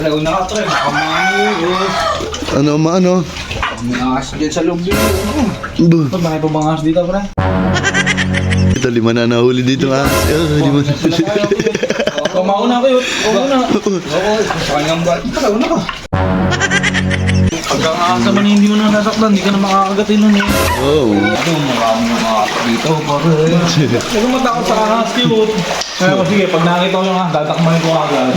Wala na ka, pre. Baka Ano, maano? may ahas dyan sa loob dito. Ba, Bakit pa bang ahas dito, pre? ito, lima na nahuli dito ha. Lima na. Mauna kayo. Mauna. Oo, sa kanyang bat. Mauna ka. Pagka ahas naman hindi mo na nasaktan, hindi ka na makakagatin nun eh. Oh. Ano, maraming mga ahas dito, pare. Huwag kang matakot sa ahas, cute. Kaya ko, sige, pag nakita ko yung ahas, tatakmahin ko agad.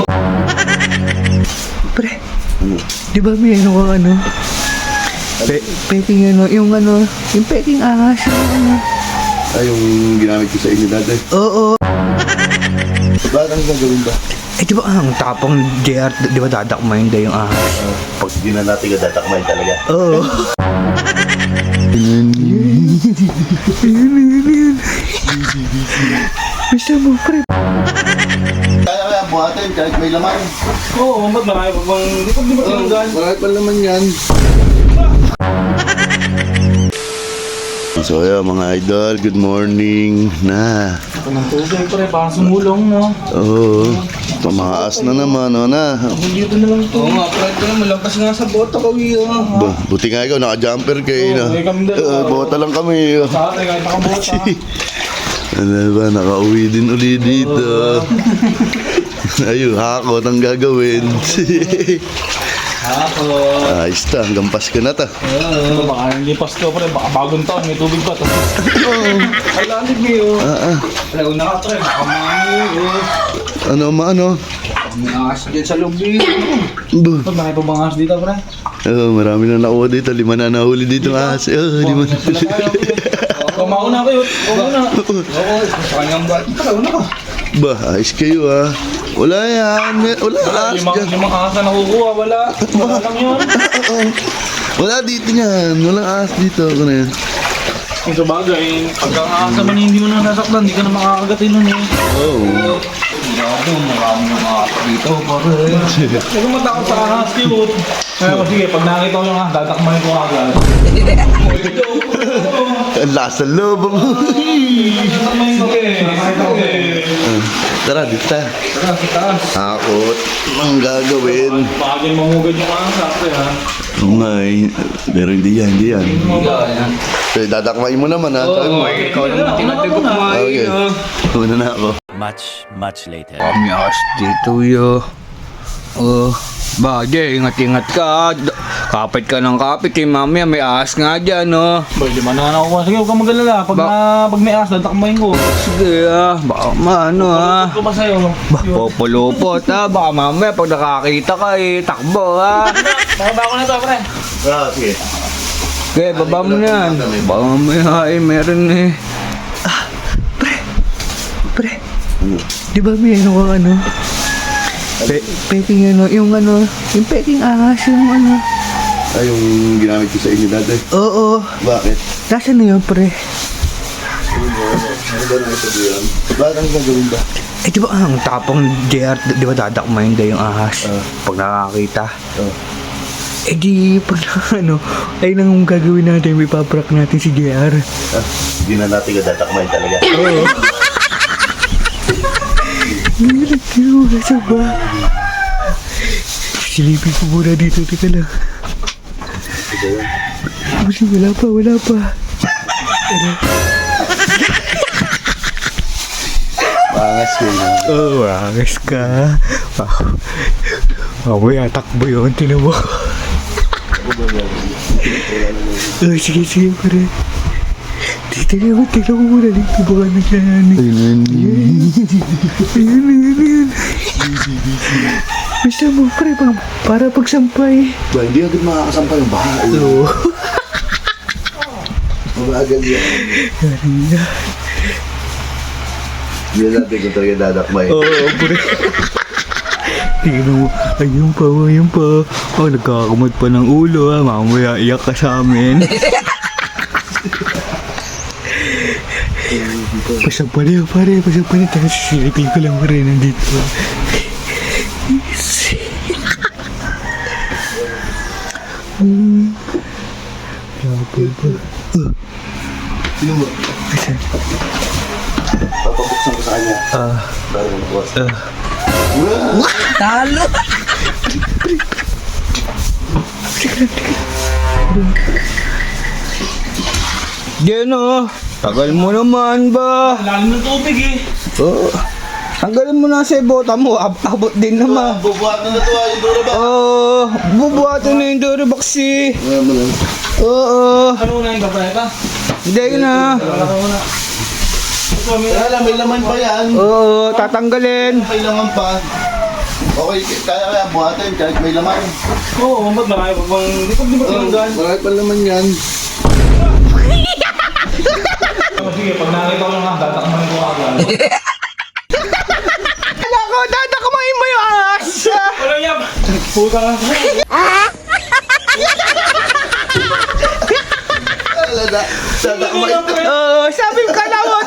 Pre, di ba may ano kang ano? Peking ano, yung peking ahas, yung ano. Ay, yung ginamit ko sa inyo dati. Oo. Bakit ang gagawin ba? Eh, di ba ang tapang JR, di ba dadakmayin daw yung ahas? Pag hindi na natin ka datakmayin talaga. Oo. Yun. Basta mo, pre. Kaya buhatin kahit may laman. Oo, ba't marami pa bang... Di ba tinanggal? Bakit pa laman yan? So yeah, mga idol, good morning na. Ito ng tubig, pre, parang sumulong, no? Oo, tumaas na naman, o na. Dito na lang ito. Oo nga, pre, ito na, malampas nga sa bota ko, Buti nga ikaw, naka-jumper kayo na. Oo, kami dalawa. Bota lang kami. Sa atin, kahit nakabota. Ano ba, nakauwi din uli dito. Ayun, hakot ang gagawin. Ako. Ayos ta, hanggang Pasko na ta. Oo, baka lipas ko, pre, baka bagong taon, may tubig pa. Ay, lalig niyo. Wala na ka, pre, baka Ano, maano? may ahas dyan sa loob dito. Ba, Bakit pa bang ahas dito, pre? marami na nakuha dito, lima na nahuli dito. Lima na. Mauna kayo. Mauna. Oo, sa kanyang bat. Mauna ka. Ba, ayos kayo ha. Wala yan, wala ahas dyan. Yung mga ahas na nakukuha, wala. Wala lang yun. Wala dito yan, wala ahas dito. Ano yan? Yung sa bagay, pagka ahas naman hindi mo na nasaktan, hindi ka na makakagatin nun eh. Oh. Grabe, maraming mga ahas dito, pare. Huwag kang matakot sa ahas, cute. Kaya ko, sige, pag nakita ko yung ahas, tatakmahin ko agad. Ang lasa loob mo. Tatakmahin ko eh. Nakita ko eh. Tara, dito tayo. Tara, sa taas. Hakot. Ang gagawin. Bagay mamugad yung ahas, ate ha. May, pero hindi yan, hindi yan. Yan. Okay, dadakmain mo naman ha. Sabi mo. Ikaw naman tinatagok mo. Okay. Una na ako. Much later. Kami ahas dito, yo. Bagay, ingat-ingat ka. Kapit ka ng kapit, eh, mamaya may ahas nga dyan, no? Boy, di man na ako. Sige, huwag kang mag-alala. Pag may ahas, tatakmahin ko. Sige, baka maano, ha? Ko ba sa'yo? Populupot, ha? Baka mamaya pag nakakita ka, takbo, ha? Baka ko na to, pre. Sige. Okay, baba mo na yan. Baka mamaya, meron eh. Pre. Di ba may ano kang ano? Peking ano, yung peking ahas, yung ano. Ay, yung ginamit ko sa inyo dati. Oo. Bakit? Nasaan na yun, pre? Ano ba na ito diyan? Bakit ang gagawin ba? Eh, di ba ang tapang JR, di ba dadakmayin daw yung ahas? Pag nakakita. Eh di, pag ay nang gagawin natin, may paprak natin si JR. Hindi na natin ka datakmayin talaga. Oo. Nagkinuha sa ba? Silipin ko muna dito, teka lang. Wala pa. Pangas ko na. Oo, angas ka. Mamaya, takbo yun, tinan mo. Sige, pare. Tignan mo muna dito, baka naglayanin. Ayun. Basta mo, pre, para pagsampay. Ba, hindi agad makakasampay yung baha. Oo. Mabagal yan. Kanina. Hindi natin ko talaga dadakmayin. Oo, pre. Tignan mo, ayun pa. Oh, nagkakamot pa ng ulo, ha. Mamaya, iyak ka sa amin. Pasampali, pare. Tapos sisilipin ko lang rin nandito. Grabe ba? Sino mo? Asan? Papabuksan ko sa kanya. Para mo nakuha. Talo! Diyan oh. Tagal mo naman ba? Lalim ng tubig eh. Oo. Tanggalin mo na sa bota mo. Abot din naman. Bubuhat na to yung Durabox. Oo. Bubuhatin na yung Durabox eh. Oo. Ano na yung babayata? Hindi na. Wala ka muna. Ito, Kaya lang, may laman pa yan. Oo. Tatanggalin. May laman pa. Okay, kaya buhatin kahit may laman. Oo, ba't marami pa bang... Di ba tinanggal? Marami pa laman yan. Sige, pag nakita ko lang datakman ko agad. Kala ko, dadakamain mo yung ahas. Wala yan! Puta ka. Alala, sada kamay. Oo. Sabi ko, kala mo,